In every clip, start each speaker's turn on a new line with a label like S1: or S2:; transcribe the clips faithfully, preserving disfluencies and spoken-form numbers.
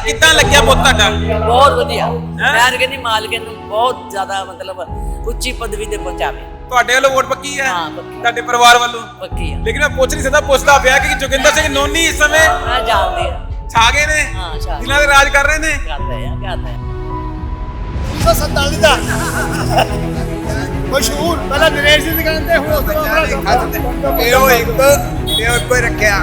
S1: ਕਿੱਦਾਂ ਲੱਗਿਆ ਪੁੱਤ ਤੁਹਾਡਾ?
S2: ਬਹੁਤ ਵਧੀਆ। ਮੈਂ ਕਹਿੰਦੀ ਮਾਲਕ ਨੂੰ ਬਹੁਤ ਜ਼ਿਆਦਾ ਮਤਲਬ ਉੱਚੀ ਪਦਵੀ ਤੇ ਪਹੁੰਚਾਵੇ।
S1: ਤੁਹਾਡੇ ਵੱਲੋਂ ਵੋਟ ਪੱਕੀ ਹੈ?
S2: ਹਾਂ, ਪੱਕੀ।
S1: ਤੁਹਾਡੇ ਪਰਿਵਾਰ ਵੱਲੋਂ
S2: ਪੱਕੀ ਆ।
S1: ਲੇਕਿਨ ਮੈਂ ਪੁੱਛ ਨਹੀਂ ਸਕਦਾ, ਪੁੱਛਦਾ ਪਿਆ ਕਿ ਜੋਗਿੰਦਰ ਸਿੰਘ ਨੋਨੀ ਇਸ ਸਮੇਂ
S2: ਮੈਂ ਜਾਣਦੀ ਆ।
S1: ਛਾ ਗਏ ਨੇ,
S2: ਹਾਂ, ਛਾ ਗਏ।
S1: ਦਿਲਾਂ ਦੇ ਰਾਜ ਕਰ ਰਹੇ ਨੇ।
S2: ਕਰਦੇ ਆ ਕਰਦੇ ਆ
S3: उन्नीस सौ सैंतालीस का मशहूर पहला नरेश जी दुकान ते हुन उस तो
S4: ਇਹੋ ਇੱਕ ਇਹੋ ਇੱਕੋ ਹੀ ਰੱਖਿਆ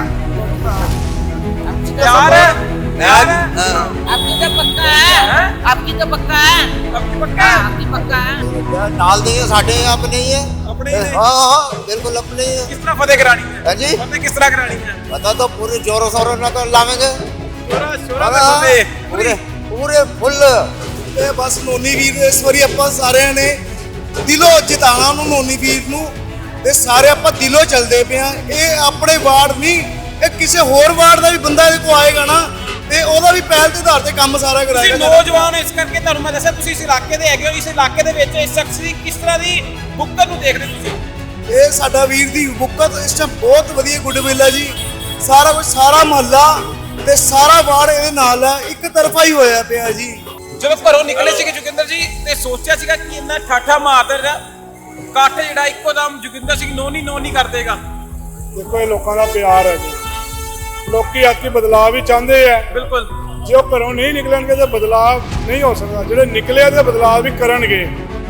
S1: प्यार है प्यार है
S2: आपकी तो पक्का है, आपकी तो पक्का है,
S1: आपकी पक्का है?
S2: आपकी पक्का है।
S4: ਨਾਲ ਦੇ ਸਾਡੇ ਆਪਣੇ ही है
S1: अपने ही ने?
S4: हाँ हाँ बिल्कुल अपने ही है
S1: किस तरह फतेह करानी है?
S4: है जी
S1: फतेह किस तरह करानी है?
S4: पता तो पूरे जोरों शोरों न कर लावेंगे
S1: शोरा शोरा
S4: हाँ,
S1: से फतेह
S4: पूरे पूरे फुੱਲ
S3: ਤੇ ਬਸ ਨੋਨੀ ਵੀਰ ਨੂੰ ਇਸ ਵਾਰੀ ਆਪਾਂ ਸਾਰਿਆਂ ਨੇ ਦਿਲੋਂ ਜਿਤਾਣਾ ਉਹਨੂੰ ਨੋਨੀ ਵੀਰ ਨੂੰ ਤੇ ਸਾਰੇ ਆਪਾਂ ਦਿਲੋਂ ਚੱਲਦੇ ਪਏ ਆ। ਇਹ ਆਪਣੇ ਵਾਰਡ ਨਹੀਂ, ਇਹ ਕਿਸੇ ਹੋਰ ਵਾਰਡ ਦਾ ਵੀ ਬੰਦਾ ਇਹਦੇ ਕੋ ਆਏਗਾ ਨਾ ਤੇ ਉਹਦਾ ਵੀ ਪਹਿਲ ਦੇ ਆਧਾਰ ਤੇ ਕੰਮ ਸਾਰਾ
S1: ਤੁਸੀਂ
S3: ਕਰਾਏਗਾ।
S1: ਨੌਜਵਾਨ ਹੋ, ਇਸ ਕਰਕੇ ਤੁਹਾਨੂੰ ਮੈਂ ਦੱਸਿਆ ਤੁਸੀਂ ਇਸ ਇਲਾਕੇ ਦੇ ਹੈਗੇ ਹੋ। ਇਸ ਇਲਾਕੇ ਦੇ ਵਿੱਚ ਇਸ ਸ਼ਖਸ ਦੀ ਕਿਸ ਤਰ੍ਹਾਂ ਦੀ ਬੁੱਕਰ ਨੂੰ ਦੇਖਦੇ ਤੁਸੀਂ?
S3: ਇਹ ਸਾਡਾ ਵੀਰ ਦੀ ਬੁੱਕਤ ਇਸ ਟਾਈਮ ਬਹੁਤ ਵਧੀਆ ਗੁੱਡਵਿਲ ਹੈ ਜੀ। ਸਾਰਾ ਕੁਝ ਸਾਰਾ ਮਹੱਲਾ ਤੇ ਸਾਰਾ ਵਾਰਡ ਇਹਦੇ ਨਾਲ ਹੈ, ਇੱਕ ਤਰਫਾ ਹੀ ਹੋਇਆ ਪਿਆ ਜੀ।
S1: ਜਦੋਂ ਘਰੋਂ ਨਿਕਲੇ ਸੀਗੇ ਜੋਗਿੰਦਰ ਜੀ ਤੇ ਸੋਚਿਆ ਸੀਗਾ ਕਿ ਇੰਨਾ ਠਾਠਾ ਮਾਰਦਾ ਕੱਠ ਜਿਹੜਾ ਇੱਕੋ ਦਮ ਜੋਗਿੰਦਰ ਸਿੰਘ ਨੋਨੀ ਨੋਨੀ ਕਰ ਦੇਗਾ?
S5: ਦੇਖੋ ਇਹ ਲੋਕਾਂ ਦਾ ਪਿਆਰ ਹੈ ਜੀ। ਲੋਕੀ ਅੱਜ ਕੀ ਬਦਲਾਅ ਵੀ ਚਾਹੁੰਦੇ ਆ।
S1: ਬਿਲਕੁਲ।
S5: ਜੇ ਉਹ ਘਰੋਂ ਨਹੀਂ ਨਿਕਲਣਗੇ ਤਾਂ ਬਦਲਾਅ ਨਹੀਂ ਹੋ ਸਕਦਾ। ਜਿਹੜੇ ਨਿਕਲੇ ਤੇ ਬਦਲਾਅ ਵੀ ਕਰਨਗੇ।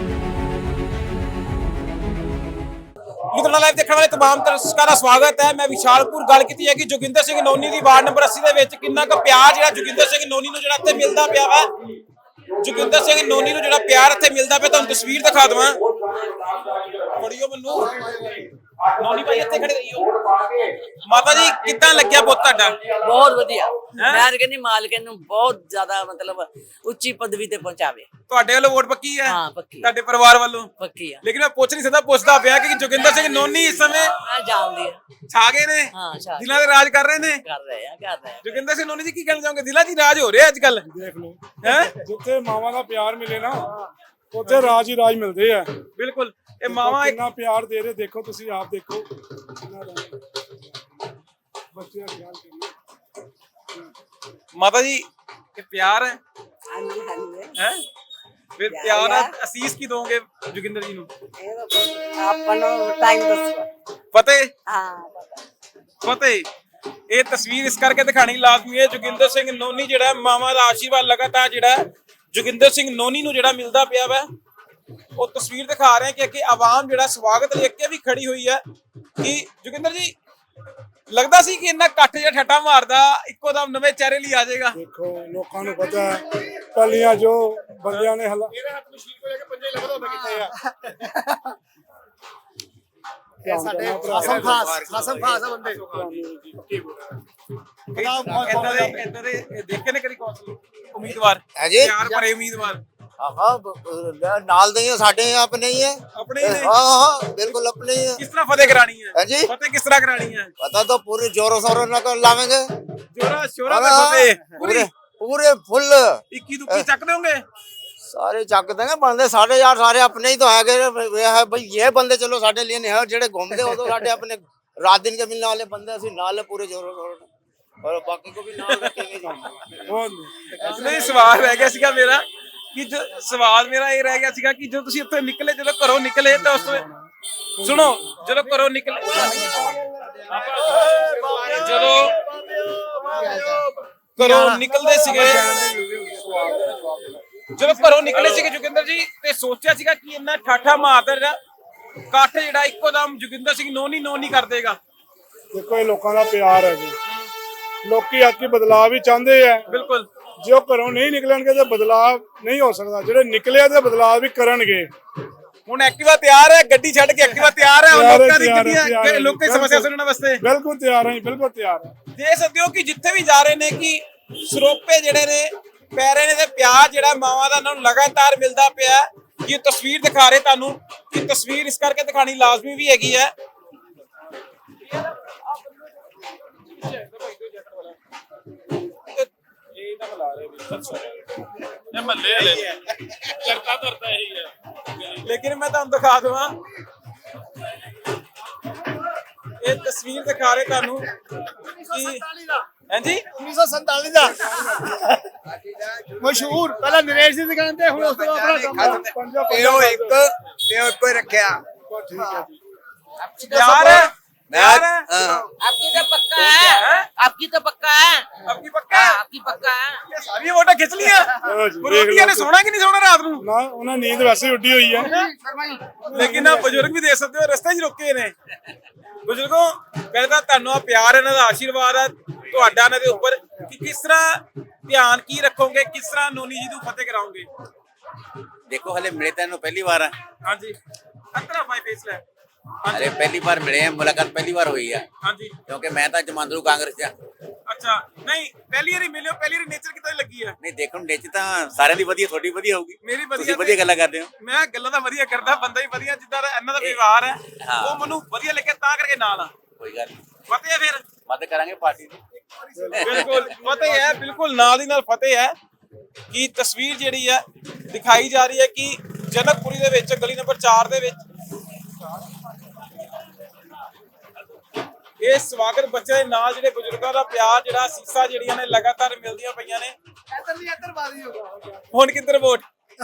S1: ਲੁਧਿਆਣਾ ਲਾਈਵ ਦੇਖਣ ਵਾਲੇ तमाम ਦਰਸ਼ਕਾਂ ਦਾ ਸਵਾਗਤ ਹੈ। ਮੈਂ ਵਿਸ਼ਾਲਪੁਰ ਗੱਲ ਕੀਤੀ ਹੈ ਕਿ ਜੋਗਿੰਦਰ ਸਿੰਘ ਨੋਨੀ ਦੀ ਵਾਰਡ ਨੰਬਰ अस्सी ਦੇ ਵਿੱਚ ਕਿੰਨਾ ਕੁ ਪਿਆਰ ਜਿਹੜਾ ਜੋਗਿੰਦਰ ਸਿੰਘ ਨੋਨੀ ਨੂੰ ਜਿਹੜਾ ਇੱਥੇ ਮਿਲਦਾ ਪਿਆ ਵਾ। ਜੋਗਿੰਦਰ ਸਿੰਘ ਨੋਨੀ ਨੂੰ ਜਿਹੜਾ ਪਿਆਰ ਇੱਥੇ ਮਿਲਦਾ ਪਿਆ, ਤੁਹਾਨੂੰ ਤਸਵੀਰ ਦਿਖਾ ਦਵਾਂ। ਫੜਿਓ ਮੈਨੂੰ ਨੋਨੀ ਭਾਈ ਇੱਥੇ ਖੜੇ ਰਹੀਓ। ਮਾਤਾ ਜੀ ਕਿੱਦਾਂ ਲੱਗਿਆ ਪੁੱਤ ਤੁਹਾਡਾ?
S2: ਬਹੁਤ ਵਧੀਆ। ਮੈਂ ਕਹਿੰਦੀ ਮਾਲਕ ਨੂੰ ਬਹੁਤ ਜ਼ਿਆਦਾ ਮਤਲਬ ਉੱਚੀ ਪਦਵੀ ਤੇ ਪਹੁੰਚਾਵੇ।
S1: ਤੁਹਾਡੇ ਵੱਲੋਂ ਵੋਟ ਪੱਕੀ ਹੈ?
S2: ਹਾਂ, ਪੱਕੀ।
S1: ਤੁਹਾਡੇ ਪਰਿਵਾਰ ਵੱਲੋਂ
S2: ਪੱਕੀ ਆ।
S1: ਲੇਕਿਨ ਮੈਂ ਪੁੱਛ ਨਹੀਂ ਸਕਦਾ, ਪੁੱਛਦਾ ਪਿਆ ਕਿ ਜੋਗਿੰਦਰ ਸਿੰਘ ਨੋਨੀ ਇਸ ਸਮੇਂ
S2: ਮੈਂ ਜਾਣਦੀ ਆ।
S1: ਛਾ ਗਏ ਨੇ,
S2: ਹਾਂ, ਛਾ ਗਏ।
S1: ਦਿਲਾਂ ਦੇ ਰਾਜ ਕਰ ਰਹੇ ਨੇ।
S2: ਕਰ ਰਹੇ ਆ ਕਰਦੇ ਆ
S1: ਜੋਗਿੰਦਰ ਸਿੰਘ ਨੋਨੀ ਜੀ ਕੀ ਕਹਿਣਾ ਚਾਹੋਗੇ? ਦਿਲਾਂ 'ਚ ਹੀ ਰਾਜ ਹੋ ਰਿਹਾ ਅੱਜ ਕੱਲ
S5: ਦੇਖ ਲਓ
S1: ਹੈ।
S5: ਜਿੱਥੇ ਮਾਵਾਂ ਦਾ ਪਿਆਰ ਮਿਲੇ ਨਾ ਉੱਥੇ ਰਾਜ ਹੀ ਰਾਜ ਮਿਲਦੇ ਆ।
S1: ਬਿਲਕੁਲ। ਇਹ ਮਾਵਾ ਇੱਕ
S5: ਕਿੰਨਾ ਪਿਆਰ ਦੇ ਰਹੇ, ਦੇਖੋ ਤੁਸੀਂ ਆਪ ਦੇਖੋ। ਕਿੰਨਾ ਰਾਜ। ਬੱਚੇ ਦਾ ਖਿਆਲ ਕਰੀਏ।
S1: ਮਾਤਾ ਜੀ ਇਹ ਪਿਆਰ ਹੈ
S6: ਹਾਂਜੀ ਹਾਂਜੀ
S1: ਹੈ ਫਿਰ ਪਿਆਰ ਹੈ। ਅਸੀਸ ਕੀ ਦੋਗੇ ਜੋਗਿੰਦਰ ਜੀ ਨੂੰ?
S6: ਇਹ ਤਾਂ ਆਪਾਂ ਨੂੰ ਟਾਈਮ ਦੱਸੋ।
S1: ਫਤਿਹ
S6: ਹਾਂ
S1: ਫਤਿਹ। ਇਹ ਤਸਵੀਰ ਇਸ ਕਰਕੇ ਦਿਖਾਣੀ ਲਾਜ਼ਮੀ ਹੈ। ਜੋਗਿੰਦਰ ਸਿੰਘ ਨੋਨੀ ਜਿਹੜਾ ਮਾਵਾ ਦਾ ਆਸ਼ੀਰਵਾਦ ਲਗਾਤਾਰ ਜਿਹੜਾ ਜੋਗਿੰਦਰ ਸਿੰਘ ਨੋਨੀ ਨੂੰ ਜਿਹੜਾ ਮਿਲਦਾ ਪਿਆ ਵਾ, ਉਹ ਤਸਵੀਰ ਦਿਖਾ ਰਹੇ ਕਿ ਅੱਗੇ ਆਵਾਮ ਜਿਹੜਾ ਸਵਾਗਤ ਲਈ ਅੱਗੇ ਵੀ ਖੜੀ ਹੋਈ ਹੈ ਕਿ ਜੋਗਿੰਦਰ ਜੀ ਲੱਗਦਾ ਸੀ ਕਿ ਇੰਨਾ ਕੱਠ ਜਿਹਾ ਠੱਠਾ ਮਾਰਦਾ ਇੱਕੋ ਦਮ ਨਵੇਂ ਚਿਹਰੇ ਲਈ ਆ ਜਾਏਗਾ।
S5: ਦੇਖੋ ਲੋਕਾਂ ਨੂੰ ਪਤਾ ਹੈ ਪਹਿਲੀਆਂ ਜੋ ਬੰਦਿਆਂ ਨੇ ਹਲਾ
S3: ਇਹਦੇ ਹੱਥ ਮਸ਼ੀਨ ਕੋ ਲੈ ਕੇ ਪੰਜੇ ਲੱਭਦਾ ਹੁੰਦਾ ਕਿੱਥੇ ਆ।
S5: ਇਹ ਸਾਡੇ
S3: ਖਾਸਮ ਖਾਸ ਖਾਸਮ ਖਾਸ ਆ ਬੰਦੇ।
S1: ਇਦਾਂ ਦੇ ਇਦਾਂ ਦੇ ਦੇਖੇ ਨੇ ਕਦੀ ਕੌਂਸਲ ਉਮੀਦਵਾਰ
S4: ਹੈ ਜੀ।
S1: ਪਿਆਰ ਭਰੇ ਉਮੀਦਵਾਰ
S4: हाँ ਨਾਲ ਦੇ ਸਾਡੇ ਆਪਣੇ ही है
S1: ਆਪਣੇ ਹੀ ਨੇ।
S4: हाँ हाँ बिल्कुल अपने ही है
S1: ਕਿਸ ਤਰ੍ਹਾਂ ਫਤਿਹ ਕਰਾਣੀ ਹੈ?
S4: है जी
S1: ਫਤਿਹ ਕਿਸ ਤਰ੍ਹਾਂ ਕਰਾਣੀ ਹੈ?
S4: पता तो पूरे जोरों शोरों न कर लावेंगे
S1: ਜੋਰਾ ਸ਼ੋਰਾ ਤੇ
S4: हाँ,
S1: ਫਤਿਹ ਪੂਰੀ
S4: पूरे पूरे फुੱਲ
S1: ਇੱਕੀ ਦੁੱਕੀ ਚੱਕ ਦੋਗੇ?
S4: सारे चक देंगे बंदे साढ़े यार सारे अपने ही तो है है भाई। ये बंदे चलो साढ़े लिए नहीं है, जेड़े घूमते हो तो साढ़े अपने रात दिन के मिलने वाले बंदे असि नाल पूरे जोरों शोरों और बाकी को भी नाल रखेंगे।
S5: ਬਹੁਤ
S1: ਨਹੀਂ ਸਵਾਲ ਰਹਿ ਗਿਆ ਸੀਗਾ ਮੇਰਾ ਕਿ ਜੋ ਸਵਾਲ ਮੇਰਾ ਇਹ ਰਹਿ ਗਿਆ ਸੀਗਾ ਕਿ ਜਦੋਂ ਤੁਸੀਂ ਉੱਥੇ ਨਿਕਲੇ, ਜਦੋਂ ਘਰੋਂ ਨਿਕਲੇ ਤਾਂ ਉਸ ਤੋਂ ਸੁਣੋ, ਜਦੋਂ ਘਰੋਂ ਨਿਕਲੇ ਜਦੋਂ ਘਰੋਂ ਨਿਕਲਦੇ ਸੀਗੇ ਜਦੋਂ ਘਰੋਂ ਨਿਕਲੇ ਸੀਗੇ ਜੋਗਿੰਦਰ ਜੀ ਤੇ ਸੋਚਿਆ ਸੀਗਾ ਕਿ ਇੰਨਾ ਠਾਠਾ ਮਾਰਦਾ ਕੱਠ ਜਿਹੜਾ ਇੱਕੋ ਦਮ ਜੋਗਿੰਦਰ ਸਿੰਘ ਨੋਨੀ ਨੋਨੀ ਕਰ ਦੇਗਾ?
S5: ਦੇਖੋ ਇਹ ਲੋਕਾਂ ਦਾ ਪਿਆਰ ਹੈ ਜੀ। ਲੋਕੀ ਅੱਜ ਕੀ ਬਦਲਾਅ ਵੀ ਚਾਹੁੰਦੇ ਆ।
S1: ਬਿਲਕੁਲ।
S5: ਜੇ ਉਹ ਘਰੋਂ ਨਹੀਂ ਨਿਕਲਣਗੇ ਤਾਂ ਬਦਲਾਅ ਨਹੀਂ ਹੋ ਸਕਦਾ। ਜਿਹੜੇ ਨਿਕਲੇ ਤੇ ਬਦਲਾਅ ਵੀ ਕਰਨਗੇ।
S1: ਹੁਣ ਐਕਟਿਵਾ ਤਿਆਰ ਹੈ, ਗੱਡੀ ਛੱਡ ਕੇ ਐਕਟਿਵਾ ਤਿਆਰ ਹੈ
S5: ਤਿਆਰ ਹੈ,
S1: ਲੋਕਾਂ ਦੀ
S5: ਤਿਆਰ ਹੈ,
S1: ਗੱਡੀਆਂ
S5: ਤਿਆਰ ਹੈ,
S1: ਲੋਕਾਂ ਦੀ ਸਮੱਸਿਆ ਸੁਣਨ ਵਾਸਤੇ।
S5: ਬਿਲਕੁਲ ਤਿਆਰ ਹਾਂ ਜੀ, ਬਿਲਕੁਲ ਤਿਆਰ ਹਾਂ।
S1: ਦੇਖ ਸਕਦੇ ਹੋ ਕਿ ਜਿੱਥੇ ਵੀ ਜਾ ਰਹੇ ਨੇ ਕਿ ਸਰੋਪੇ ਜਿਹੜੇ ਨੇ ਪੈ ਰਹੇ ਨੇ ਤੇ ਪਿਆਰ ਜਿਹੜਾ ਮਾਵਾਂ ਦਾ ਇਹਨਾਂ ਨੂੰ ਲਗਾਤਾਰ ਮਿਲਦਾ ਪਿਆ। ਕਿ ਤਸਵੀਰ ਦਿਖਾ ਰਹੇ ਤੁਹਾਨੂੰ ਕਿ ਤਸਵੀਰ ਇਸ ਕਰਕੇ ਦਿਖਾਣੀ ਲਾਜ਼ਮੀ ਵੀ ਹੈਗੀ ਹੈ। लेकिन मैं तुहानू दिखा देवां ये तस्वीर दिखा रहे तुहानू कि हां जी
S3: उन्नीस सौ सैंतालीस का ਮਸ਼ਹੂਰ ਪਹਿਲਾਂ ਨਰੇਸ਼ ਦੀ ਦੁਕਾਨ ਤੇ ਹੁਣ ਉਸ ਤੋਂ ਆਪਣਾ ਕੰਮ
S5: ਤੇ ਉਹ ਇੱਕ ਤੇ ਉਹ ਇੱਕੋ ਹੀ ਰੱਖਿਆ।
S3: ਠੀਕ ਹੈ ਜੀ
S1: ਯਾਰ ਹੈ यार
S2: आपकी तो पक्का है, आपकी तो पक्का है,
S1: आपकी पक्का है?
S2: आपकी पक्का है।
S1: ये सारी वोटा खिंच लिया
S5: ਚਲੋ ਜੀ, ਦੇਖ
S1: ਵਿਰੋਧੀਆਂ ਨੇ
S5: ਲਓ।
S1: ਸੋਣਾ ਕਿ ਨਹੀਂ ਸੋਣਾ ਰਾਤ ਨੂੰ
S5: ਨਾ ਉਹਨਾਂ ਨੀਂਦ ਵੈਸੇ ਉੱਡੀ ਹੋਈ ਹੈ।
S1: ਲੇਕਿਨ ਆ ਬਜ਼ੁਰਗ ਵੀ ਦੇਖ ਸਕਦੇ ਹੋ ਰਸਤੇ 'ਚ ਰੁਕੇ ਨੇ ਬਜ਼ੁਰਗੋ ਕਹਿੰਦਾ ਤੁਹਾਨੂੰ ਆ ਪਿਆਰ ਇਹਨਾਂ ਦਾ ਆਸ਼ੀਰਵਾਦ ਹੈ ਤੁਹਾਡਾ ਇਹਨਾਂ ਦੇ ਉੱਪਰ ਕਿ ਕਿਸ ਤਰ੍ਹਾਂ ਧਿਆਨ ਕੀ ਰੱਖੋਗੇ ਕਿਸ ਤਰ੍ਹਾਂ ਨੋਨੀ ਜੀ ਨੂੰ ਫਤਿਹ ਕਰਾਓਗੇ।
S7: देखो हले मिले तेन पहली बार है
S1: ਹਾਂਜੀ ਅਤਰਾ ਮਾਈ ਫੇਸ ਲੈ
S7: अरे पहली बार मिले हैं मुलाकात पहली बार हुई है
S1: ਹਾਂਜੀ
S7: क्योंकि मैं तो जमांदरू कांग्रेस च
S1: ਅੱਛਾ ਨਹੀਂ ਪਹਿਲੀ ਵਾਰੀ ਮਿਲਿਓ ਪਹਿਲੀ ਵਾਰੀ ਨੇਚਰ ਕਿਦਾਂ ਲੱਗੀ ਹੈ
S7: नहीं देखो नेच तो सारे दी वधिया थोड़ी वधिया होगी
S1: ਮੇਰੀ
S7: तुसी
S1: ਵਧੀਆ
S7: वधिया गल्लां करदे हो
S1: ਮੈਂ ਗੱਲਾਂ ਤਾਂ ਵਧੀਆ ਕਰਦਾ ਬੰਦਾ ਹੀ ਵਧੀਆ ਜਿੱਦਾਂ ਦਾ ਇਹਨਾਂ ਦਾ ਵਿਵਹਾਰ ਹੈ
S7: ਹਾਂ।
S1: ਉਹ ਮੈਨੂੰ ਵਧੀਆ ਲੱਗਿਆ ਤਾਂ ਕਰਕੇ ਨਾਲ ਆ
S7: कोई गल नहीं
S1: ਫਤਿਹ ਹੈ ਫਿਰ
S7: मत करांगे पार्टी दी
S1: ਬਿਲਕੁਲ ਫਤਿਹ ਹੈ ਬਿਲਕੁਲ ਨਾਲ ਦੀ ਨਾਲ ਫਤਿਹ ਹੈ ਕਿ ਤਸਵੀਰ ਜਿਹੜੀ ਹੈ ਦਿਖਾਈ ਜਾ ਰਹੀ ਹੈ ਕਿ ਜਨਕਪੁਰੀ ਦੇ ਵਿੱਚ ਗਲੀ ਨੰਬਰ ਚਾਰ ਦੇ ਵਿੱਚ ਇਹ ਸਵਾਗਤ ਬੱਚੇ ਦੇ ਨਾਲ ਜਿਹੜੇ ਬਜ਼ੁਰਗਾਂ ਦਾ ਪਿਆਰ ਜਿਹੜਾ ਸੀਸਾ ਜਿਹੜੀਆਂ ਨੇ ਲਗਾਤਾਰ ਮਿਲਦੀਆਂ ਪਈਆਂ ਨੇ
S3: ਇੱਧਰ ਨਹੀਂ ਇੱਧਰ ਬਾਦੀ ਹੋਗਾ
S1: ਹੁਣ ਕਿੱਧਰ ਵੋਟ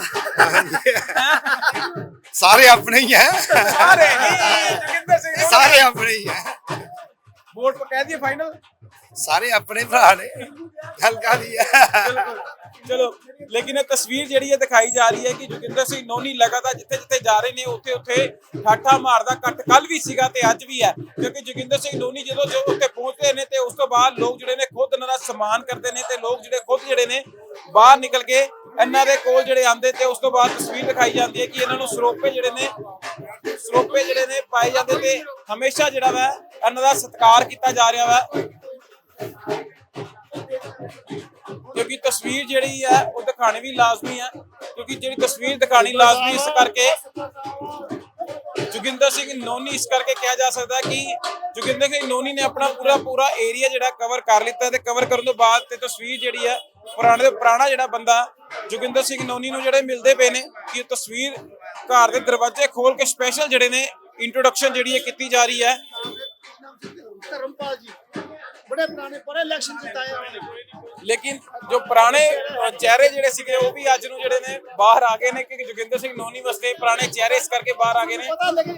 S3: ਸਾਰੇ ਆਪਣੇ ਹੀ ਹੈ
S1: ਸਾਰੇ ਨਹੀਂ ਜੋਗਿੰਦਰ ਸਿੰਘ ਨੂੰ
S3: ਸਾਰੇ ਆਪਣੇ ਹੀ ਹੈ
S1: ਵੋਟ ਪਾ ਕਹਿ ਦਈਏ ਫਾਈਨਲ
S3: ਸਾਰੇ ਆਪਣੇ ਭਰਾ ਨੇ ਗੱਲ ਕਾਦੀ ਹੈ
S1: ਬਿਲਕੁਲ ਚਲੋ ਲੇਕਿਨ ਇਹ ਤਸਵੀਰ ਜਿਹੜੀ ਹੈ ਦਿਖਾਈ ਜਾ ਰਹੀ ਹੈ ਕਿ ਜੋਗਿੰਦਰ ਸਿੰਘ ਨੋਨੀ ਲਗਾਤਾਰ ਜਿੱਥੇ ਜਿੱਥੇ ਜਾ ਰਹੇ ਨੇ ਉੱਥੇ ਉੱਥੇ ਠਾਠਾ ਮਾਰਦਾ ਕੱਟ ਕੱਲ ਵੀ ਸੀਗਾ ਤੇ ਅੱਜ ਵੀ ਹੈ ਕਿਉਂਕਿ ਜੋਗਿੰਦਰ ਸਿੰਘ ਨੋਨੀ ਜਦੋਂ ਜੋ ਉੱਥੇ ਪਹੁੰਚਦੇ ਨੇ ਤੇ ਉਸ ਤੋਂ ਬਾਅਦ ਲੋਕ ਜਿਹੜੇ ਨੇ ਖੁਦ ਇਹਨਾਂ ਦਾ ਸਨਮਾਨ ਕਰਦੇ ਨੇ ਤੇ ਲੋਕ ਜਿਹੜੇ ਖੁਦ ਜਿਹੜੇ ਨੇ ਬਾਹਰ ਨਿਕਲ ਕੇ ਇਹਨਾਂ ਦੇ ਕੋਲ ਜਿਹੜੇ ਆਉਂਦੇ ਤੇ ਉਸ ਤੋਂ ਬਾਅਦ ਤਸਵੀਰ ਦਿਖਾਈ ਜਾਂਦੀ ਹੈ ਕਿ ਇਹਨਾਂ ਨੂੰ ਸਰੋਪੇ ਜਿਹੜੇ ਨੇ ਸਰੋਪੇ ਜਿਹੜੇ ਨੇ ਪਾਏ ਜਾਂਦੇ ਤੇ ਹਮੇਸ਼ਾ ਜਿਹੜਾ ਵਾ ਇਹਨਾਂ ਦਾ ਸਤਿਕਾਰ ਕੀਤਾ ਜਾ ਰਿਹਾ ਵਾ ਕਿਉਂਕਿ ਤਸਵੀਰ ਜਿਹੜੀ ਹੈ ਉਹ ਦਿਖਾਣੀ ਵੀ ਲਾਜ਼ਮੀ ਹੈ ਕਿਉਂਕਿ ਜਿਹੜੀ ਤਸਵੀਰ ਦਿਖਾਣੀ ਲਾਜ਼ਮੀ ਇਸ ਕਰਕੇ ਜੋਗਿੰਦਰ ਸਿੰਘ ਨੋਨੀ ਇਸ ਕਰਕੇ ਕਿਹਾ ਜਾ ਸਕਦਾ ਕਿ ਜੋਗਿੰਦਰ ਸਿੰਘ ਨੋਨੀ ਨੇ ਆਪਣਾ ਪੂਰਾ ਪੂਰਾ ਏਰੀਆ ਜਿਹੜਾ ਕਵਰ ਕਰ ਲਿੱਤਾ ਤੇ ਕਵਰ ਕਰਨ ਤੋਂ ਬਾਅਦ ਤੇ ਤਸਵੀਰ ਜਿਹੜੀ ਹੈ ਪੁਰਾਣੇ ਤੋਂ ਪੁਰਾਣਾ ਜਿਹੜਾ ਬੰਦਾ ਜੋਗਿੰਦਰ ਸਿੰਘ ਨੋਨੀ ਨੂੰ ਜਿਹੜੇ ਮਿਲਦੇ ਪਏ ਨੇ ਕਿ ਤਸਵੀਰ ਘਰ ਦੇ ਦਰਵਾਜ਼ੇ ਖੋਲ ਕੇ ਸਪੈਸ਼ਲ ਜਿਹੜੇ ਨੇ ਇੰਟਰੋਡਕਸ਼ਨ ਜਿਹੜੀ ਹੈ ਕੀਤੀ ਜਾ ਰਹੀ ਹੈ।
S3: ਧਰਮਪਾਲ ਜੀ ਬੜੇ ਪੁਰਾਣੇ ਪਰ ਇਲੈਕਸ਼ਨ ਜਿਤਾਏ ਉਹਨੇ
S1: ਲੇਕਿਨ ਜੋ ਪੁਰਾਣੇ ਅ, ਚਿਹਰੇ ਜਿਹੜੇ ਸੀਗੇ ਉਹ ਵੀ ਅੱਜ ਨੂੰ ਜਿਹੜੇ ਨੇ ਬਾਹਰ ਆ ਗਏ ਨੇ ਕਿ ਜੋਗਿੰਦਰ ਸਿੰਘ ਨੋਨੀ ਵਾਸਤੇ ਪੁਰਾਣੇ ਚਿਹਰੇ ਇਸ ਕਰਕੇ ਬਾਹਰ ਆ ਗਏ ਨੇ
S3: ਪਤਾ ਲੱਗੇ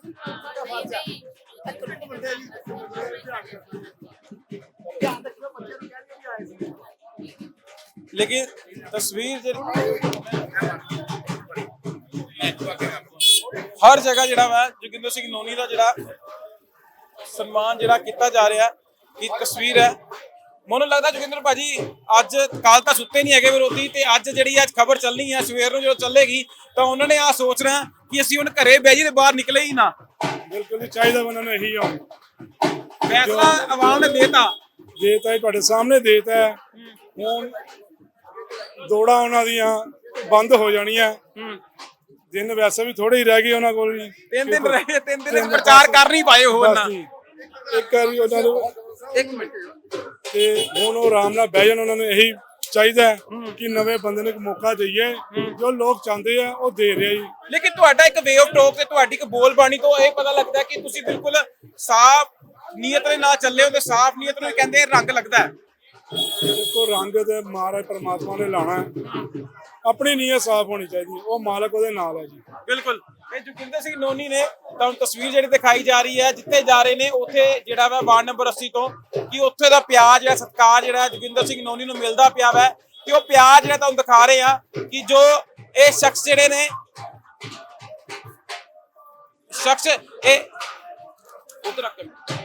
S3: ਇੱਕ ਮਿੰਟ ਬੰਦੇ ਜੀ ਧਿਆਨ ਰੱਖਿਓ ਬੱਚੇ ਨੂੰ ਕਹਿੰਦੇ ਵੀ ਆਏ ਸੀ
S1: ਲੇਕਿਨ ਤਸਵੀਰ ਜਿਹੜੀ ਹਰ ਜਗ੍ਹਾ ਜਿਹੜਾ ਵਾ ਜੋਗਿੰਦਰ ਸਿੰਘ ਨੋਨੀ ਦਾ ਜਿਹੜਾ ਸਨਮਾਨ ਜਿਹੜਾ ਕੀਤਾ ਜਾ ਰਿਹਾ ਕਿ ਤਸਵੀਰ ਹੈ ਮੈਨੂੰ ਲੱਗਦਾ ਜੋਗਿੰਦਰ ਭਾਜੀ ਅੱਜ ਕੱਲ ਤਾਂ ਸੁੱਤੇ ਨਹੀਂ ਹੈਗੇ ਵਿਰੋਧੀ ਤੇ ਅੱਜ ਜਿਹੜੀ ਅੱਜ ਖਬਰ ਚੱਲਣੀ ਹੈ ਸਵੇਰ ਨੂੰ ਜਦੋਂ ਚੱਲੇਗੀ ਤਾਂ ਉਹਨਾਂ ਨੇ ਆ ਸੋਚਣਾ ਕਿ ਅਸੀਂ ਹੁਣ ਘਰੇ ਬਹਿ ਜੀ ਤੇ ਬਾਹਰ ਨਿਕਲੇ ਹੀ ਨਾ
S5: ਬਿਲਕੁਲ ਨਹੀਂ ਚਾਹੀਦਾ ਉਹਨਾਂ ਨੂੰ ਇਹੀ ਆਉਣ
S1: ਫੈਸਲਾ ਆਵਾਮ ਨੇ ਦੇਤਾ
S5: ਦੇਤਾ ਹੈ ਤੁਹਾਡੇ ਸਾਹਮਣੇ ਦੇਤਾ ਹੈ ਹੁਣ ਦੌੜਾਂ ਉਹਨਾਂ ਦੀਆਂ ਬੰਦ ਹੋ ਜਾਣੀਆਂ ਦਿਨ ਵੈਸੇ ਵੀ ਥੋੜੇ ਹੀ ਰਹਿ ਗਏ ਉਹਨਾਂ ਕੋਲ ਵੀ
S1: ਤਿੰਨ ਦਿਨ ਰਹੇ ਤਿੰਨ ਦਿਨ ਪ੍ਰਚਾਰ ਕਰ ਨਹੀਂ ਪਾਏ ਉਹ
S5: ਬਸ
S1: ਨਾ
S5: ਜੀ, ਇੱਕ ਵਾਰੀ ਉਹਨਾਂ ਨੂੰ
S1: ਇੱਕ ਮਿੰਟ
S5: ਤੇ ਹੁਣ ਉਹ ਆਰਾਮ ਨਾਲ ਬਹਿ ਜਾਣ ਉਹਨਾਂ ਨੂੰ ਇਹੀ ਚਾਹੀਦਾ ਹੈ ਕਿ ਨਵੇਂ ਬੰਦੇ ਨੂੰ ਇੱਕ ਮੌਕਾ ਦਈਏ ਜੋ ਲੋਕ ਚਾਹੁੰਦੇ ਆ ਉਹ ਦੇ ਰਿਹਾ ਜੀ।
S1: ਲੇਕਿਨ ਤੁਹਾਡਾ ਇੱਕ ਵੇ ਆਫ ਟਾਕ ਤੇ ਤੁਹਾਡੀ ਇੱਕ ਬੋਲਬਾਣੀ ਤੋਂ ਇਹ ਪਤਾ ਲੱਗਦਾ ਕਿ ਤੁਸੀਂ ਬਿਲਕੁਲ ਸਾਫ਼ ਨੀਅਤ ਦੇ ਨਾਲ ਚੱਲੇ ਹੋ ਤੇ ਸਾਫ਼ ਨੀਅਤ ਨੂੰ ਕਹਿੰਦੇ ਰੰਗ ਲੱਗਦਾ ਹੈ।
S5: ਦੇਖੋ ਰੰਗ ਤੇ ਮਹਾਰਾਜ ਪਰਮਾਤਮਾ ਨੇ ਲਾਣਾ ਹੈ ਆਪਣੀ ਨੀਅਤ ਸਾਫ਼ ਹੋਣੀ ਚਾਹੀਦੀ ਹੈ ਉਹ ਮਾਲਕ ਉਹਦੇ ਨਾਲ ਹੈ ਜੀ।
S1: ਬਿਲਕੁਲ ਇਹ ਜੋਗਿੰਦਰ ਸਿੰਘ ਨੋਨੀ ਨੇ ਤੁਹਾਨੂੰ ਤਸਵੀਰ ਜਿਹੜੀ ਦਿਖਾਈ ਜਾ ਰਹੀ ਹੈ ਜਿੱਥੇ ਜਾ ਰਹੇ ਨੇ ਉੱਥੇ ਜਿਹੜਾ ਵਾ ਵਾਰਡ ਨੰਬਰ ਅੱਸੀ ਤੋਂ ਕਿ ਉੱਥੇ ਦਾ ਪਿਆਰ ਜਿਹੜਾ ਸਤਿਕਾਰ ਜਿਹੜਾ ਜੋਗਿੰਦਰ ਸਿੰਘ ਨੋਨੀ ਨੂੰ ਮਿਲਦਾ ਪਿਆ ਵਾ ਤੇ ਉਹ ਪਿਆਰ ਜਿਹੜਾ ਤੁਹਾਨੂੰ ਦਿਖਾ ਰਹੇ ਆ ਕਿ ਜੋ ਇਹ ਸ਼ਖਸ ਜਿਹੜੇ ਨੇ ਸ਼ਖਸ ਇਹ ਉਧਰ ਰੱਖ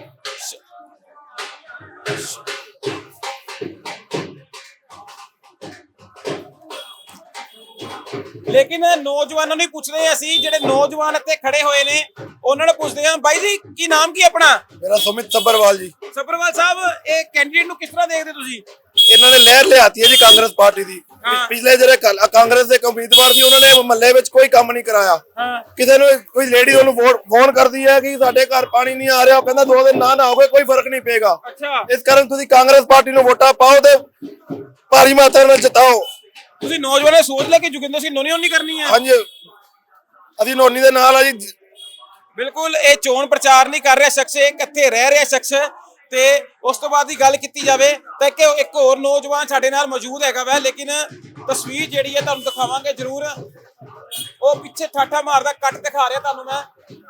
S1: ਲੇਕਿਨ ਨੌਜਵਾਨਾਂ ਨੂੰ ਹੀ ਪੁੱਛਦੇ ਹਾਂ ਅਸੀਂ ਜਿਹੜੇ ਨੌਜਵਾਨ ਇੱਥੇ ਖੜੇ ਹੋਏ ਨੇ ਉਹਨਾਂ ਨੂੰ ਪੁੱਛਦੇ ਹਾਂ ਬਾਈ ਜੀ ਕੀ ਨਾਮ ਕੀ ਆਪਣਾ
S3: ਮੇਰਾ ਸੁਮਿਤ ਸੱਬਰਵਾਲ ਜੀ
S1: ਸੱਬਰਵਾਲ ਸਾਹਿਬ ਇਹ ਕੈਂਡੀਡੇਟ ਨੂੰ ਕਿਸ ਤਰ੍ਹਾਂ ਦੇਖਦੇ ਤੁਸੀਂ
S3: ਇਹਨਾਂ ਨੇ ਲਹਿਰ ਲਿਆਤੀ ਹੈ ਜੀ ਕਾਂਗਰਸ ਪਾਰਟੀ ਦੀ
S1: ਹਾਂ।
S3: ਪਿਛਲੇ ਜਿਹੜੇ ਕਲ- ਕਾਂਗਰਸ ਦੇ ਉਮੀਦਵਾਰ ਸੀ ਉਹਨਾਂ ਨੇ ਮਹੱਲੇ ਵਿੱਚ ਕੋਈ ਕੰਮ ਨਹੀਂ ਕਰਾਇਆ
S1: ਹਾਂ
S3: ਕਿਸੇ ਨੂੰ ਕੋਈ ਲੇਡੀ ਉਹਨੂੰ ਵੋਟ ਫੋਨ ਕਰਦੀ ਹੈ ਕਿ ਸਾਡੇ ਘਰ ਪਾਣੀ ਨਹੀਂ ਆ ਰਿਹਾ ਉਹ ਕਹਿੰਦਾ ਦੋ ਦਿਨ ਨਾ ਨਾ ਹੋਵੇ ਕੋਈ ਫਰਕ ਨਹੀਂ ਪਏਗਾ
S1: ਅੱਛਾ
S3: ਇਸ ਕਾਰਨ ਤੁਸੀਂ ਕਾਂਗਰਸ ਪਾਰਟੀ ਨੂੰ ਵੋਟਾਂ ਪਾਓ ਤੇ ਭਾਰੀ ਮਾਤਰਾ ਨਾਲ ਜਿਤਾਓ।
S1: ਤੁਸੀਂ ਨੌਜਵਾਨਾਂ ਨੇ ਸੋਚ ਲਿਆ ਕਿ ਜੋਗਿੰਦਰ ਸਿੰਘ ਨੋਨੀ ਨਹੀਂ ਕਰਨੀ ਹੈ
S3: ਹਾਂਜੀ ਅਸੀਂ ਨੋਨੀ ਦੇ ਨਾਲ ਆ ਜੀ।
S1: ਬਿਲਕੁਲ ਇਹ ਚੋਣ ਪ੍ਰਚਾਰ ਨਹੀਂ ਕਰ ਰਿਹਾ ਸ਼ਖਸ ਇਹ ਕਿੱਥੇ ਰਹਿ ਰਿਹਾ ਸ਼ਖਸ ਤੇ ਉਸ ਤੋਂ ਬਾਅਦ ਦੀ ਗੱਲ ਕੀਤੀ ਜਾਵੇ ਤਾਂ ਇੱਕ ਇੱਕ ਹੋਰ ਨੌਜਵਾਨ ਸਾਡੇ ਨਾਲ ਮੌਜੂਦ ਹੈਗਾ ਵੈ, ਲੇਕਿਨ ਤਸਵੀਰ ਜਿਹੜੀ ਹੈ ਤੁਹਾਨੂੰ ਦਿਖਾਵਾਂਗੇ ਜ਼ਰੂਰ। ਉਹ ਪਿੱਛੇ ਠਾਠਾ ਮਾਰਦਾ ਕੱਟ ਦਿਖਾ ਰਿਹਾ ਤੁਹਾਨੂੰ ਮੈਂ।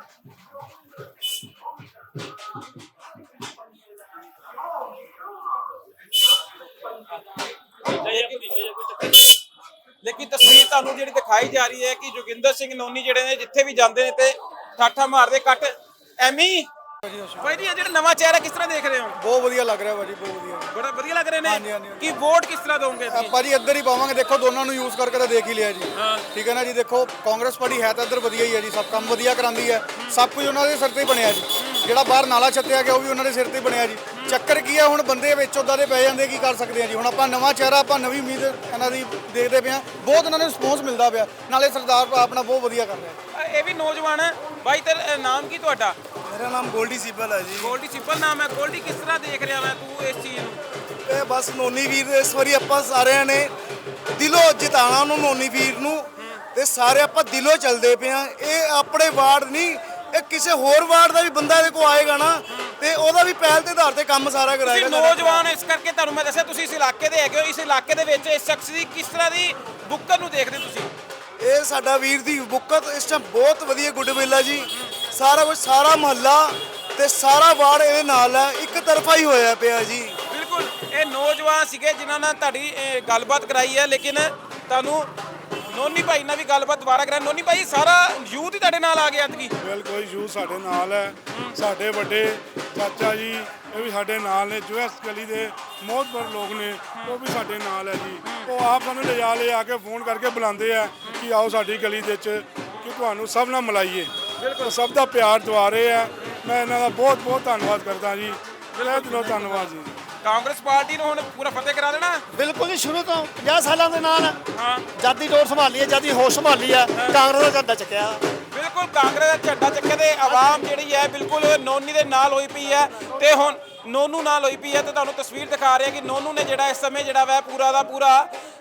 S1: ਲੇਕਿਨ ਤਸਵੀਰ ਤੁਹਾਨੂੰ ਜਿਹੜੀ ਦਿਖਾਈ ਜਾ ਰਹੀ ਹੈ ਕਿ ਜੋਗਿੰਦਰ ਸਿੰਘ ਨੋਨੀ ਜਿਹੜੇ ਨੇ ਜਿੱਥੇ ਵੀ ਜਾਂਦੇ ਨੇ ਤੇ ਠਾਠਾ ਮਾਰਦੇ ਕੱਟ ਐਮੀ। ਭਾਈ ਜੀ ਇਹ ਜਿਹੜਾ ਨਵਾਂ ਚਿਹਰਾ ਕਿਸ ਤਰ੍ਹਾਂ ਦੇਖ ਰਹੇ ਹੋ?
S3: ਬਹੁਤ ਵਧੀਆ ਲੱਗ ਰਿਹਾ ਭਾਜੀ, ਬਹੁਤ ਵਧੀਆ।
S1: ਬੜਾ ਵਧੀਆ ਲੱਗ ਰਹੇ
S3: ਹਾਂਜੀ,
S1: ਨੇ।
S3: ਹਾਂਜੀ।
S1: ਕੀ ਵੋਟ ਕਿਸ ਤਰ੍ਹਾਂ ਦੋਗੇ ਤੁਸੀਂ?
S3: ਆਪਾਂ ਜੀ ਇੱਧਰ ਹੀ ਪਾਵਾਂਗੇ, ਦੇਖੋ ਦੋਨਾਂ ਨੂੰ ਯੂਜ਼ ਕਰਕੇ ਤਾਂ ਦੇਖ ਹੀ ਲਿਆ ਜੀ। ਠੀਕ ਹੈ ਨਾ ਜੀ। ਦੇਖੋ ਕਾਂਗਰਸ ਪਾਰਟੀ ਹੈ ਤਾਂ ਇੱਧਰ ਵਧੀਆ ਹੀ ਹੈ ਜੀ, ਸਭ ਕੰਮ ਵਧੀਆ ਕਰਾਂਦੀ ਹੈ, ਸਭ ਕੁਝ ਉਹਨਾਂ ਦੇ ਸਿਰ ਤੇ ਹੀ ਬਣਿਆ ਜੀ। ਜਿਹੜਾ ਬਾਹਰ ਨਾਲਾ ਛੱਤਿਆ ਗਿਆ ਉਹ ਵੀ ਉਹਨਾਂ ਦੇ ਸਿਰ ਤੇ ਹੀ ਬਣਿਆ ਜੀ। ਚੱਕਰ ਕੀ ਹੈ, ਹੁਣ ਬੰਦੇ ਵਿੱਚ ਉਦਾਂ ਦੇ ਪੈ ਜਾਂਦੇ, ਕੀ ਕਰ ਸਕਦੇ ਆ ਜੀ। ਹੁਣ ਆਪਾਂ ਨਵਾਂ ਚਿਹਰਾ, ਆਪਾਂ ਨਵੀਂ ਉਮੀਦ ਇਹਨਾਂ ਦੀ ਦੇਖਦੇ ਪਏ ਹਾਂ, ਬਹੁਤ ਇਹਨਾਂ ਨੂੰ ਰਿਸਪੌਂਸ ਮਿਲਦਾ ਪਿਆ, ਨਾਲੇ ਸਰਦਾਰ ਆਪਣਾ ਬਹੁਤ ਵਧੀਆ ਕਰ ਰਿਹਾ।
S1: ਇਹ ਵੀ ਨੌਜਵਾਨ ਹੈ ਬਾਈ। ਤੇਰਾ ਨਾਮ ਕੀ ਤੁਹਾਡਾ?
S3: ਮੇਰਾ ਨਾਮ ਗੋਲਡੀ ਸਿੱਬਲ ਹੈ ਜੀ।
S1: ਗੋਲਡੀ ਸਿੰਪਲ ਨਾਮ ਹੈ। ਗੋਲਡੀ ਕਿਸ ਤਰ੍ਹਾਂ ਦੇਖ ਰਿਹਾ ਮੈਂ ਤੂੰ ਇਸ ਚੀਜ਼ ਨੂੰ?
S3: ਇਹ ਬਸ ਨੋਨੀ ਵੀਰ ਇਸ ਵਾਰੀ ਆਪਾਂ ਸਾਰਿਆਂ ਨੇ ਦਿਲੋਂ ਜਿਤਾਣਾ ਉਹਨੂੰ, ਨੋਨੀ ਵੀਰ ਨੂੰ, ਤੇ ਸਾਰੇ ਆਪਾਂ ਦਿਲੋਂ ਚੱਲਦੇ ਪਏ ਆ। ਇਹ ਆਪਣੇ ਵਾਰਡ ਨਹੀਂ, ਇਹ ਕਿਸੇ ਹੋਰ ਵਾਰਡ ਦਾ ਵੀ ਬੰਦਾ ਇਹਦੇ ਕੋਲ ਆਏਗਾ ਨਾ ਤੇ ਉਹਦਾ ਵੀ ਪਹਿਲ ਦੇ ਆਧਾਰ ਤੇ ਕੰਮ ਸਾਰਾ
S1: ਤੁਸੀਂ
S3: ਕਰਾਏਗਾ।
S1: ਨੌਜਵਾਨ ਇਸ ਕਰਕੇ ਤੁਹਾਨੂੰ ਮੈਂ ਦੱਸਿਆ ਤੁਸੀਂ ਇਸ ਇਲਾਕੇ ਦੇ ਹੈਗੇ ਹੋ। ਇਸ ਇਲਾਕੇ ਦੇ ਵਿੱਚ ਇਸ ਸ਼ਖਸ ਦੀ ਕਿਸ ਤਰ੍ਹਾਂ ਦੀ ਬੁੱਕਰ ਨੂੰ ਦੇਖਦੇ ਤੁਸੀਂ?
S3: ਇਹ ਸਾਡਾ ਵੀਰ ਦੀ ਬੁੱਕਤ ਇਸ ਟਾਈਮ ਬਹੁਤ ਵਧੀਆ ਗੁੱਡਵਿਲ ਹੈ ਜੀ। ਸਾਰਾ ਕੁਝ, ਸਾਰਾ ਮਹੱਲਾ ਤੇ ਸਾਰਾ ਵਾਰਡ ਇਹਦੇ ਨਾਲ ਹੈ, ਇੱਕ ਤਰਫਾ ਹੀ ਹੋਇਆ ਪਿਆ ਜੀ।
S1: ਬਿਲਕੁਲ ਇਹ ਨੌਜਵਾਨ ਸੀਗੇ ਜਿਨ੍ਹਾਂ ਨਾਲ ਤੁਹਾਡੀ ਇਹ, ਗੱਲਬਾਤ ਕਰਾਈ ਹੈ, ਲੇਕਿਨ ਤੁਹਾਨੂੰ ਨੋਨੀ ਭਾਈ ਨਾਲ ਵੀ ਗੱਲਬਾਤ ਦੁਬਾਰਾ ਕਰਾਂ। ਨੋਨੀ ਭਾਈ ਸਾਰਾ ਯੂਥ ਹੀ ਤੁਹਾਡੇ ਨਾਲ ਆ ਗਿਆ ਐਤਕੀ?
S5: ਬਿਲਕੁਲ ਯੂ ਸਾਡੇ ਨਾਲ ਹੈ। ਸਾਡੇ ਵੱਡੇ ਚਾਚਾ ਜੀ ਇਹ ਵੀ ਸਾਡੇ ਨਾਲ ਨੇ, ਜੋ ਇਸ ਗਲੀ ਦੇ ਮੋਹਤਬਰ ਲੋਕ ਨੇ ਉਹ ਵੀ ਸਾਡੇ ਨਾਲ ਹੈ ਜੀ। ਉਹ ਆਪ ਸਾਨੂੰ ਲਿਜਾ ਲੈ ਆ ਕੇ ਫੋਨ ਕਰਕੇ ਬੁਲਾਉਂਦੇ ਆ ਕਿ ਆਓ ਸਾਡੀ ਗਲੀ ਦੇ ਵਿੱਚ ਕਿ ਤੁਹਾਨੂੰ ਸਭ ਨਾਲ ਮਿਲਾਈਏ। ਬਿਲਕੁਲ ਸਭ ਦਾ ਪਿਆਰ ਦਵਾ ਰਹੇ ਆ। ਮੈਂ ਇਹਨਾਂ ਦਾ ਬਹੁਤ ਬਹੁਤ ਧੰਨਵਾਦ ਕਰਦਾ ਜੀ, ਦਿਲੋਂ ਦਿਲੋਂ ਧੰਨਵਾਦ ਜੀ।
S1: ਕਾਂਗਰਸ ਪਾਰਟੀ ਨੂੰ ਹੁਣ ਪੂਰਾ ਫਤਿਹ ਕਰਾ ਦੇਣਾ?
S8: ਬਿਲਕੁਲ ਜੀ, ਸ਼ੁਰੂ ਤੋਂ ਪੰਜਾਹ ਸਾਲਾਂ ਦੇ ਨਾਲ
S1: ਹਾਂ।
S8: ਜਾਦੀ ਡੋਰ ਸੰਭਾਲੀ ਹੈ, ਜਾਦੀ ਹੋਸ਼ ਸੰਭਾਲੀ ਹੈ, ਕਾਂਗਰਸ ਦਾ ਝੰਡਾ ਚੱਕਿਆ।
S1: ਬਿਲਕੁਲ ਕਾਂਗਰਸ ਦਾ ਝੰਡਾ ਚੱਕੇ ਤੇ ਆਵਾਮ ਜਿਹੜੀ ਹੈ ਬਿਲਕੁਲ ਨੋਨੀ ਦੇ ਨਾਲ ਹੋਈ ਪਈ ਹੈ ਤੇ ਹੁਣ ਨੋਨੂ ਨਾਲ ਹੋਈ ਪਈ ਹੈ। ਤੇ ਤੁਹਾਨੂੰ ਤਸਵੀਰ ਦਿਖਾ ਰਿਹਾ ਕਿ ਨੋਨੂ ਨੇ ਜਿਹੜਾ ਇਸ ਸਮੇਂ ਜਿਹੜਾ ਵਾ ਪੂਰਾ ਦਾ ਪੂਰਾ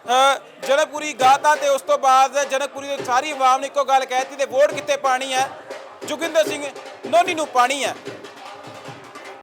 S1: ਜਨਕਪੁਰੀ ਗਾਤਾ ਤੇ ਉਸ ਤੋਂ ਬਾਅਦ ਜਨਕਪੁਰੀ ਦੀ ਸਾਰੀ ਆਵਾਮ ਨੇ ਇੱਕੋ ਗੱਲ ਕਹਿਤੀ ਤੇ ਵੋਟ ਕਿੱਥੇ ਪਾਣੀ ਹੈ? ਜੋਗਿੰਦਰ ਸਿੰਘ ਨੋਨੀ ਨੂੰ ਪਾਣੀ ਹੈ।